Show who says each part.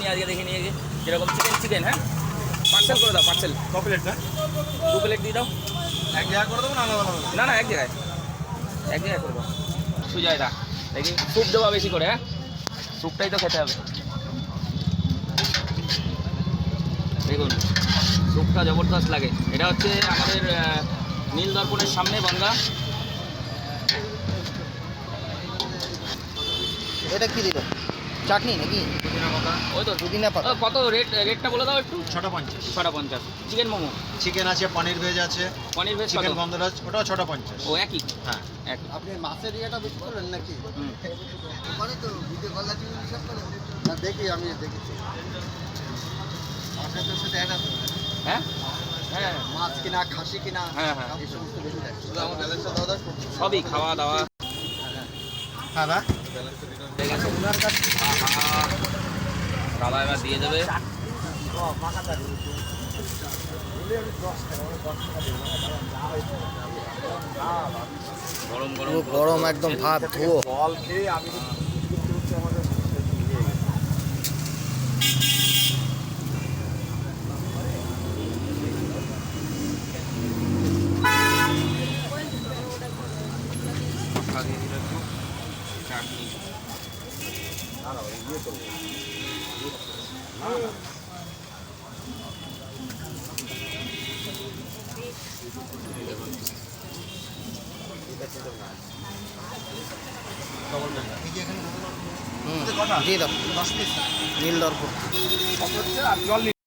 Speaker 1: আজকে দেখে নিয়ে গিয়ে যেরকম চিকেন হ্যাঁ পার্সেল করে দাও পার্সেল
Speaker 2: ক প্লেট না
Speaker 1: 2 প্লেট দিয়ে দাও
Speaker 2: এক জায়গা করে দেবো না আলাদা আলাদা
Speaker 1: না এক জায়গায় করবো সুজয়দা দেখি স্যুপ দেওয়া বেশি করে হ্যাঁ স্যুপটাই তো খেতে হবে দেখুন স্যুপটা জবরদস্ত লাগে এটা হচ্ছে আমাদের নীল দর্পণের সামনে বনগা
Speaker 3: এটা কি দিল চাটনি নাকি
Speaker 1: ওই তো
Speaker 3: পুদিনা পাতা
Speaker 1: কত রেটটা বলে দাও একটু
Speaker 2: 650
Speaker 1: 650 চিকেন মোমো
Speaker 2: চিকেন আছে পনির ভেজ আছে
Speaker 1: পনির ভেজ
Speaker 2: চিকেন গন্ধরাজ ওটাও 650
Speaker 1: ও একই
Speaker 2: হ্যাঁ
Speaker 1: একই
Speaker 3: আপনি মাছের ইয়েটা বেশি করলেন নাকি করে তো ভিডিও কল আছে সব করে না দেখি আমি দেখেছি মাছের সাথে একটা
Speaker 1: হ্যাঁ হ্যাঁ
Speaker 3: মাছ কিনা খাসি কিনা
Speaker 1: হ্যাঁ
Speaker 3: এই সমস্ত বেশি লাগে শুধু আমার ব্যালেন্সটা দাও
Speaker 1: সবই খাওয়া দাওয়া
Speaker 2: হ্যাঁ না
Speaker 1: ঠিক আছে দাদা এবার দিয়ে দেবে গরম গরম
Speaker 3: গরম একদম ভাত ধুয়ো
Speaker 2: জল খেয়ে আমি
Speaker 1: চাটনি
Speaker 3: দিয়ে দাও নীল দর্পণ
Speaker 2: আর জল